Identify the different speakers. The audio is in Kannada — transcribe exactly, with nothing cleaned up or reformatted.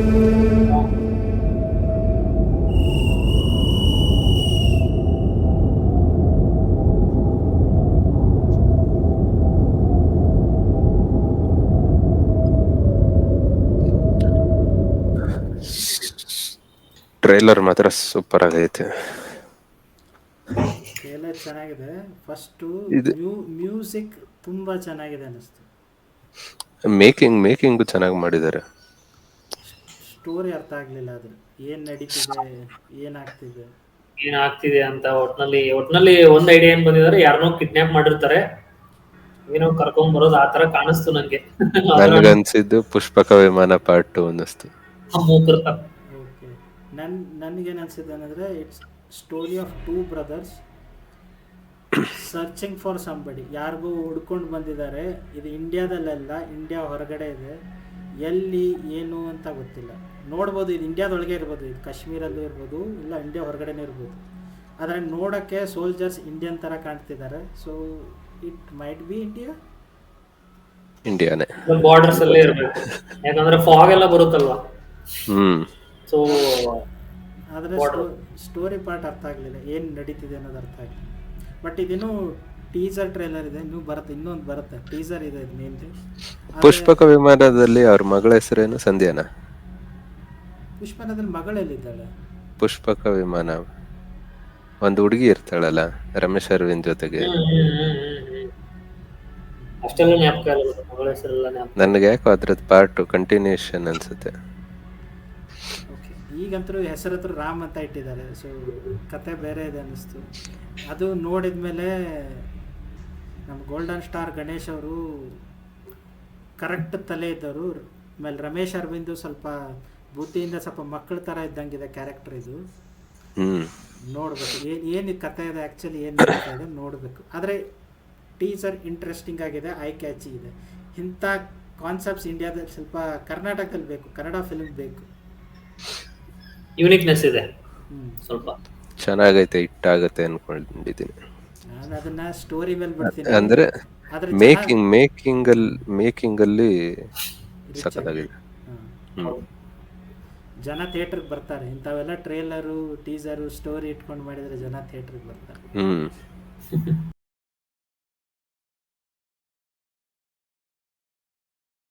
Speaker 1: ಟ್ರೈಲರ್ ಮಾತ್ರ ಸೂಪರ್ ಆಗೈತೆ.
Speaker 2: ಟ್ರೇಲರ್ ಚೆನ್ನಾಗಿದೆ. ಫಸ್ಟು
Speaker 1: ಇದು
Speaker 2: ಮ್ಯೂ ಮ್ಯೂಸಿಕ್ ತುಂಬ ಚೆನ್ನಾಗಿದೆ ಅನ್ನಿಸ್ತು.
Speaker 1: ಮೇಕಿಂಗ್ ಮೇಕಿಂಗು ಚೆನ್ನಾಗಿ ಮಾಡಿದ್ದಾರೆ.
Speaker 2: ಸ್ಟೋರಿ ಅರ್ಥ ಆಗಲಿಲ್ಲ ಅದ್ರ, ಏನು ನಡೀತಿದೆ, ಏನಾಗ್ತಿದೆ.
Speaker 3: ಏನ್ ಆಗ್ತಿದೆ ಅಂತ ಒಟ್ನಲ್ಲಿ ಒಟ್ನಲ್ಲಿ ಒಂದ್ ಐಡಿಯಾ ಏನ್ ಬಂದಿದ್ದಾರೆ, ಯಾರನ್ನೋ ಕಿಡ್ನಾಪ್ ಮಾಡಿರ್ತಾರೆ, ಏನೋ ಕರ್ಕೊಂಡ್ ಬರೋದು ಆ ತರ ಕಾಣಿಸ್ತು ನಂಗೆ. ಅದರ
Speaker 1: ನನ್ಗನ್ಸಿದ್ದು ಪುಷ್ಪಕ ವಿಮಾನ ಪಾರ್ಟ್ ಟು ಅನ್ನಿಸ್ತು.
Speaker 3: ಮೂಕರ್ತ
Speaker 2: ಓಕೆ, ನನ್ನ ನನಗೇನು ಅನಿಸಿದೆ ಅಂದರೆ, it's story of two brothers searching for somebody. ಯಾರಿಗೂ ಹುಡ್ಕೊಂಡು ಬಂದಿದ್ದಾರೆ. ಇದು ಇಂಡಿಯಾದಲ್ಲೆಲ್ಲ, ಇಂಡಿಯಾ ಹೊರಗಡೆ ಇದೆ. ಎಲ್ಲಿ ಏನು ಅಂತ ಗೊತ್ತಿಲ್ಲ. ನೋಡ್ಬೋದು, ಇದು ಇಂಡಿಯಾದೊಳಗೆ ಇರ್ಬೋದು, ಇದು ಕಾಶ್ಮೀರಲ್ಲೂ ಇರ್ಬೋದು, ಇಲ್ಲ ಇಂಡಿಯಾ ಹೊರಗಡೆನೇ ಇರ್ಬೋದು. ಆದರೆ ನೋಡೋಕ್ಕೆ ಸೋಲ್ಜರ್ಸ್ ಇಂಡಿಯನ್ ಥರ ಕಾಣ್ತಿದ್ದಾರೆ. So it might be India.
Speaker 1: ಇಂಡಿಯಾನೇ.
Speaker 3: ಬಾರ್ಡರ್ಸ್ ಅಲ್ಲೇ ಇರ್ಬೇಕು, ಯಾಕಂದ್ರೆ ಫಾಗ್ ಎಲ್ಲ ಬರುತ್ತಲ್ವಾ.
Speaker 1: ಹ್ಮ್
Speaker 3: ಸೊ
Speaker 2: ಆದರೆ ಸ್ಟೋ ಸ್ಟೋರಿ ಪಾರ್ಟ್ ಅರ್ಥ ಆಗಲಿಲ್ಲ, ಏನು ನಡೀತಿದೆ ಅನ್ನೋದು ಅರ್ಥ ಆಗಲಿಲ್ಲ. ಬಟ್ ಇದಿನ್ನೂ ಟೀಸರ್ ಟ್ರೇಲರ್ ಇದೆ, ಇನ್ನೂ ಬರುತ್ತೆ, ಇನ್ನೊಂದು ಬರುತ್ತೆ, ಟೀಸರ್ ಇದೆ ಇದು ಮೇನ್ಲಿ.
Speaker 1: ಪುಷ್ಪಕ ವಿಮಾನದಲ್ಲಿ ಅವ್ರ ಮಗಳ ಹೆಸರೇನು? ಸಂಧ್ಯಾನ?
Speaker 2: ಪುಷ್ಪನದಲ್ಲಿ ಮಗಳೆಲ್ಲಿದ್ದಾಳೆ?
Speaker 1: ಪುಷ್ಪಕ ವಿಮಾನ ಒಂದು ಹುಡುಗಿ ಇರ್ತಾಳಲ್ಲ ರಮೇಶ್ ಅರವಿಂದ್ ಜೊತೆಗೆ.
Speaker 3: ಹ್ಮ್ ಹ್ಮ್ ಹ್ಮ್ ಹ್ಮ್ ಹ್ಮ್ ಅಷ್ಟೆಲ್ಲ ಜ್ಞಾಪಕ ಇಲ್ಲ, ಮಗಳ ಹೆಸರೆಲ್ಲ ಜ್ಞಾಪಕ.
Speaker 1: ನನ್ಗೆ ಯಾಕೋ ಅದ್ರದ್ದು ಪಾರ್ಟ್ ಕಂಟಿನ್ಯೂಷನ್ ಅನ್ಸುತ್ತೆ.
Speaker 2: ಓಕೆ, ಈಗಂತರೂ ಹೆಸರು ಹತ್ರ ರಾಮ್ ಅಂತ ಇಟ್ಟಿದ್ದಾರೆ. ಸೊ ಕತೆ ಬೇರೆ ಇದೆ ಅನ್ನಿಸ್ತು. ಅದು ನೋಡಿದ ಮೇಲೆ ನಮ್ಮ ಗೋಲ್ಡನ್ ಸ್ಟಾರ್ ಗಣೇಶ್ ಅವರು ಕರೆಕ್ಟ್ ತಲೆ ಇದ್ದವರು. ಆಮೇಲೆ ರಮೇಶ್ ಅರವಿಂದು ಸ್ವಲ್ಪ ಬುದ್ಧಿಯಿಂದ ಸ್ವಲ್ಪ ಮಕ್ಕಳ ಥರ ಇದ್ದಂಗಿದೆ ಕ್ಯಾರೆಕ್ಟರ್ ಇದು.
Speaker 1: ಹ್ಮ್
Speaker 2: ನೋಡಬೇಕು ಏನು ಏನು ಕತೆ ಇದೆ, ಆ್ಯಕ್ಚುಲಿ ಏನು ನಡೀತಾ ಇದೆ ನೋಡಬೇಕು. ಆದರೆ ಟೀಸರ್ ಇಂಟ್ರೆಸ್ಟಿಂಗ್ ಆಗಿದೆ, ಐ ಕ್ಯಾಚಿ ಇದೆ. ಇಂಥ ಕಾನ್ಸೆಪ್ಟ್ಸ್ ಇಂಡಿಯಾದಲ್ಲಿ ಸ್ವಲ್ಪ ಕರ್ನಾಟಕದಲ್ಲಿ ಬೇಕು, ಕನ್ನಡ ಫಿಲ್ಮ್ ಬೇಕು.
Speaker 3: ಯೂನಿಕ್ನೆಸ್ ಇದೆ
Speaker 2: ಹ್ಞೂ,
Speaker 3: ಸ್ವಲ್ಪ.
Speaker 1: ಚೆನ್ನಾಗೈತೆ, ಇಟ್ಟಾಗತ್ತೆ ಅನ್ಕೊಂಡಿದ್ದೀನಿ.
Speaker 2: ನಾನು ಅದನ್ನು ಸ್ಟೋರಿ ಮೇಲೆ ಬಿಡ್ತೀನಿ.
Speaker 1: ಅಂದ್ರೆ
Speaker 2: ಆದರೆ
Speaker 1: ಮೇಕಿಂಗ್ ಮೇಕಿಂಗ್ ಅಲ್ಲಿ ಮೇಕಿಂಗ್ ಅಲ್ಲಿ ಸಖತ್ತಾಗಿದೆ.
Speaker 2: ಹಾಂ,
Speaker 1: ಹ್ಮ್
Speaker 2: ಜನ ಥಿಯೇಟ್ರಿಗೆ ಬರ್ತಾರೆ. ಇಂಥವೆಲ್ಲ ಟ್ರೇಲರು ಟೀಸರು ಸ್ಟೋರಿ ಇಟ್ಕೊಂಡು ಮಾಡಿದರೆ ಜನ ಥಿಯೇಟ್ರಿಗೆ ಬರ್ತಾರೆ.
Speaker 1: ಹ್ಮ್